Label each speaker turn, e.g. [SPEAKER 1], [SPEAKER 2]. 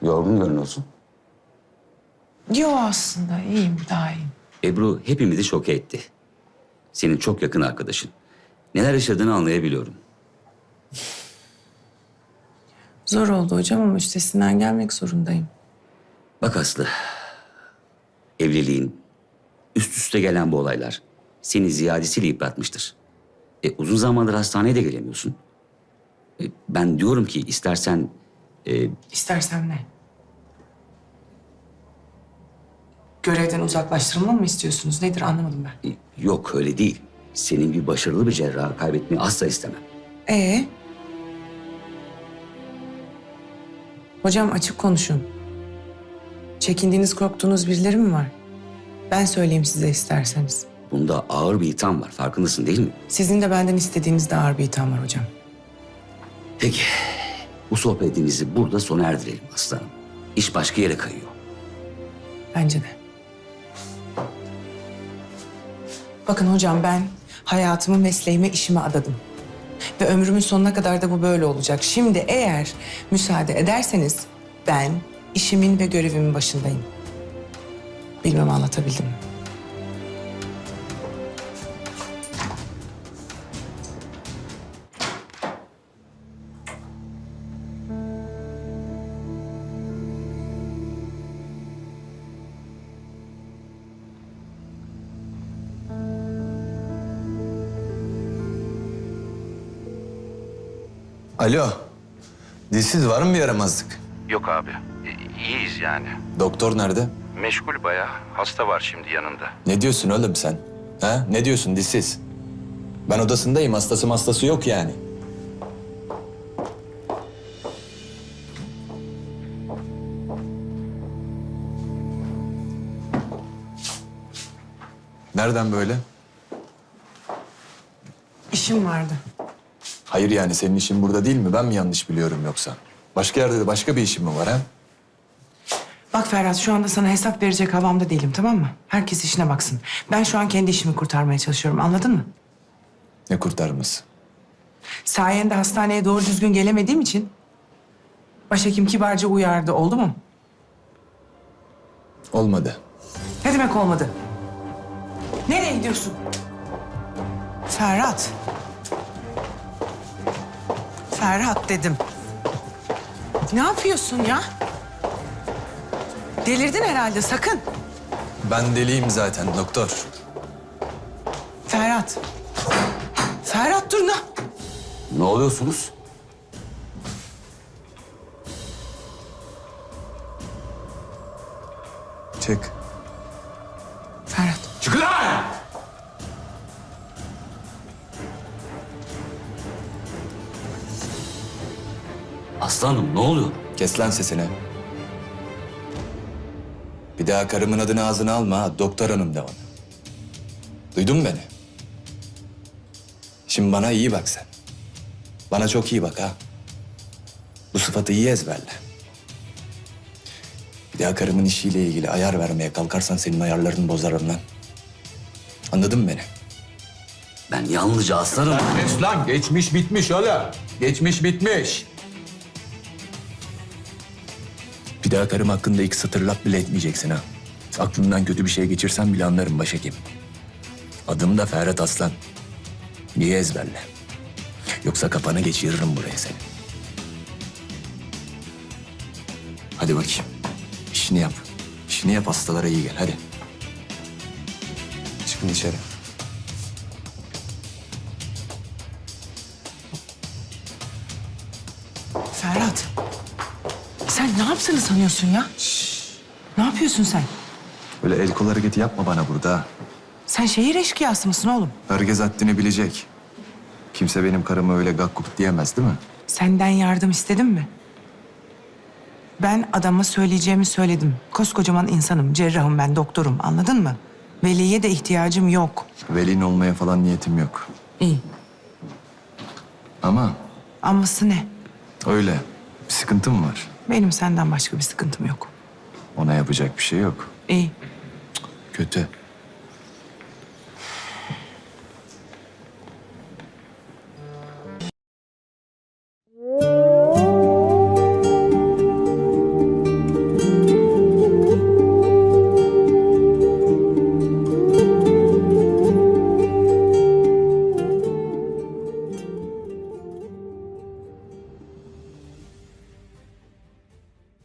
[SPEAKER 1] Yorgun görünüyorsun.
[SPEAKER 2] Yo aslında iyiyim, daha iyiyim.
[SPEAKER 1] Ebru hepimizi şoke etti. Senin çok yakın arkadaşın. Neler yaşadığını anlayabiliyorum.
[SPEAKER 2] Zor oldu hocam ama üstesinden gelmek zorundayım.
[SPEAKER 1] Bak Aslı, evliliğin, üst üste gelen bu olaylar seni ziyadesiyle yıpratmıştır. Uzun zamandır hastaneye de gelemiyorsun. Ben diyorum ki istersen...
[SPEAKER 2] İstersen ne? Görevden uzaklaştırılma mı istiyorsunuz? Nedir anlamadım ben.
[SPEAKER 1] Yok öyle değil. Senin gibi başarılı bir cerrahı kaybetmeyi asla istemem.
[SPEAKER 2] Hocam açık konuşun. Çekindiğiniz, korktuğunuz birileri mi var? Ben söyleyeyim size isterseniz.
[SPEAKER 1] Bunda ağır bir itham var. Farkındasın değil mi?
[SPEAKER 2] Sizin de benden istediğiniz de ağır bir itham var hocam.
[SPEAKER 1] Peki. Bu sohbetimizi burada sona erdirelim aslanım. İş başka yere kayıyor.
[SPEAKER 2] Bence de. Bakın hocam ben hayatımı, mesleğime, işime adadım. Ve ömrümün sonuna kadar da bu böyle olacak. Şimdi eğer müsaade ederseniz ben işimin ve görevimin başındayım. Bilmem anlatabildim mi?
[SPEAKER 3] Alo. Dilsiz var mı bir yaramazlık?
[SPEAKER 4] Yok abi. İyiyiz yani.
[SPEAKER 3] Doktor nerede?
[SPEAKER 4] Meşgul bayağı. Hasta var şimdi yanında.
[SPEAKER 3] Ne diyorsun oğlum sen? Ha? Ne diyorsun dilsiz? Ben odasındayım. Hastası yok yani. Nereden böyle?
[SPEAKER 2] İşim vardı.
[SPEAKER 3] Hayır yani senin işin burada değil mi? Ben mi yanlış biliyorum yoksa? Başka yerde de başka bir işin mi var ha?
[SPEAKER 2] Bak Ferhat şu anda sana hesap verecek havamda değilim, tamam mı? Herkes işine baksın. Ben şu an kendi işimi kurtarmaya çalışıyorum, anladın mı?
[SPEAKER 3] Ne kurtarması?
[SPEAKER 2] Sayende hastaneye doğru düzgün gelemediğim için başhekim kibarca uyardı, oldu mu?
[SPEAKER 3] Olmadı.
[SPEAKER 2] Ne demek olmadı? Nereye gidiyorsun? Ferhat. Ferhat dedim. Ne yapıyorsun ya? Delirdin herhalde, sakın.
[SPEAKER 3] Ben deliyim zaten doktor.
[SPEAKER 2] Ferhat. Ferhat dur ne?
[SPEAKER 1] Ne oluyorsunuz?
[SPEAKER 3] Çık.
[SPEAKER 2] Ferhat.
[SPEAKER 3] Çık lan!
[SPEAKER 1] Aslanım ne oluyor?
[SPEAKER 3] Kes lan sesini. Bir daha karımın adını ağzına alma ha. Doktor hanım de ona. Duydun mu beni? Şimdi bana iyi bak sen. Bana çok iyi bak ha. Bu sıfatı iyi ezberle. Bir daha karımın işiyle ilgili ayar vermeye kalkarsan senin ayarlarını bozarım lan. Anladın mı beni?
[SPEAKER 1] Ben yalnızca aslanım.
[SPEAKER 3] Geç lan. Geçmiş bitmiş oğlum. Geçmiş bitmiş. Bir daha karım hakkında iki satır laf bile etmeyeceksin ha. Aklından kötü bir şey geçirsen bile anlarım başhekim. Adım da Ferhat Aslan. Niye ezberle? Yoksa kafanı geçiririm buraya seni. Hadi bakayım. İşini yap. İşini yap, hastalara iyi gel hadi. Çıkın içeri.
[SPEAKER 2] Ferhat. Sen ne yaptığını sanıyorsun ya? Ne yapıyorsun sen?
[SPEAKER 3] Böyle el kol hareketi yapma bana burada ha.
[SPEAKER 2] Sen şehir eşkıyası mısın oğlum?
[SPEAKER 3] Herkes haddini bilecek. Kimse benim karıma öyle gakkuk diyemez değil mi?
[SPEAKER 2] Senden yardım istedim mi? Ben adama söyleyeceğimi söyledim. Koskocaman insanım, cerrahım ben, doktorum. Anladın mı? Veliye de ihtiyacım yok.
[SPEAKER 3] Velin olmaya falan niyetim yok.
[SPEAKER 2] İyi.
[SPEAKER 3] Ama
[SPEAKER 2] Aması ne?
[SPEAKER 3] öyle. Bir sıkıntım var.
[SPEAKER 2] Benim senden başka bir sıkıntım yok.
[SPEAKER 3] Ona yapacak bir şey yok.
[SPEAKER 2] İyi.
[SPEAKER 3] Kötü.